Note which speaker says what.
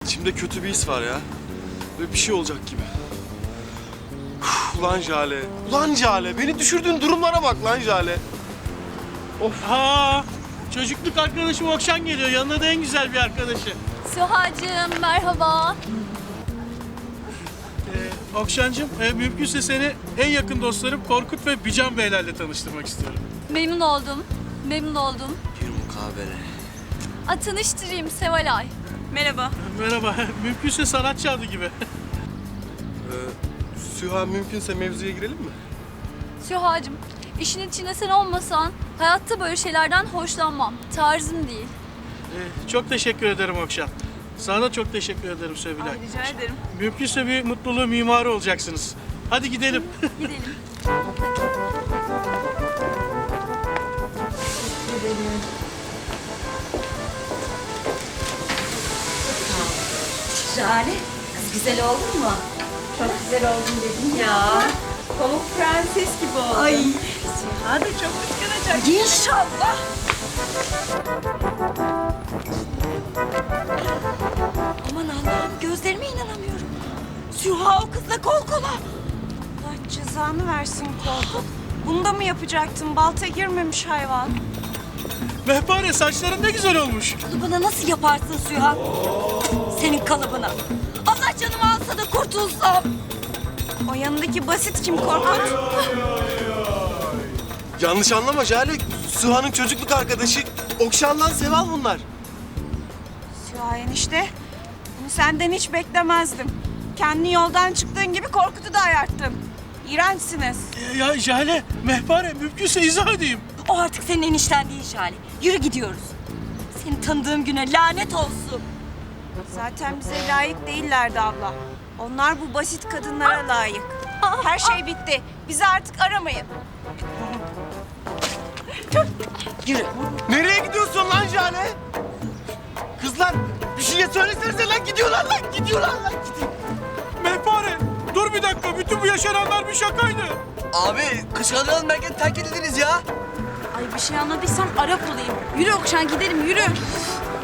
Speaker 1: İçimde kötü bir his var ya. Böyle bir şey olacak gibi. Ulan Jale. Ulan Jale. Beni düşürdüğün durumlara bak lan Jale.
Speaker 2: Ha, çocukluk arkadaşım Okşan geliyor. Yanına da en güzel bir arkadaşı.
Speaker 3: Süha'cığım merhaba.
Speaker 2: Okşancığım, mümkünse seni en yakın dostlarım Korkut ve Bican Beylerle tanıştırmak istiyorum.
Speaker 3: Memnun oldum. Memnun oldum.
Speaker 1: Bir mukabele.
Speaker 3: Tanıştırayım Sevalay.
Speaker 4: Merhaba.
Speaker 2: Merhaba, mümkünse sanatçı adı gibi.
Speaker 1: Süha mümkünse mevzuya girelim mi?
Speaker 3: Süha'cığım işin içinde sen olmasan hayatta böyle şeylerden hoşlanmam. Tarzım değil.
Speaker 2: Çok teşekkür ederim Okşan. Sana da çok teşekkür ederim Sevilay.
Speaker 4: Rica ederim.
Speaker 2: Mümkünse bir mutluluğu mimarı olacaksınız. Hadi gidelim.
Speaker 3: Gidelim.
Speaker 5: Jale, kız güzel oldun mu?
Speaker 4: Çok güzel oldun dedim ya. Pamuk prenses gibi oldun. Ay. Süha da çok kıskanacak.
Speaker 5: İnşallah. Aman Allah'ım, gözlerime inanamıyorum. Süha o kızla kol kola.
Speaker 4: Allah cezanı versin Korkut. Bunu da mı yapacaktın? Balta girmemiş hayvan.
Speaker 2: Mehpare, saçların ne güzel olmuş.
Speaker 5: Kalıbına nasıl yaparsın Süha? Senin kalıbına. Allah canımı alsa da kurtulsam.
Speaker 4: O yanındaki basit kim Korkut?
Speaker 1: Yanlış anlama Jale. Süha'nın çocukluk arkadaşı. Okşan'dan Seval bunlar.
Speaker 4: Süha enişte. Bunu senden hiç beklemezdim. Kendi yoldan çıktığın gibi Korkut'u da ayarttın. İğrençsiniz.
Speaker 2: Ya Jale, Mehpare, mümkünse izah edeyim.
Speaker 5: O artık senin enişten değil Jale. Yürü gidiyoruz. Seni tanıdığım güne lanet olsun.
Speaker 4: Zaten bize layık değillerdi abla. Onlar bu basit kadınlara layık. Her şey bitti. Bizi artık aramayın.
Speaker 5: Yürü.
Speaker 1: Nereye gidiyorsun lan Jale? Kızlar bir şey söylesenize lan, gidiyorlar lan, gidiyorlar lan.
Speaker 2: Mehpare, dur bir dakika. Bütün bu yaşananlar bir şakaydı.
Speaker 6: Abi kışkırtmadan merkez terk edildiniz ya.
Speaker 4: Ay bir şey anladıysam Arap olayım. Yürü Okşan gidelim yürü.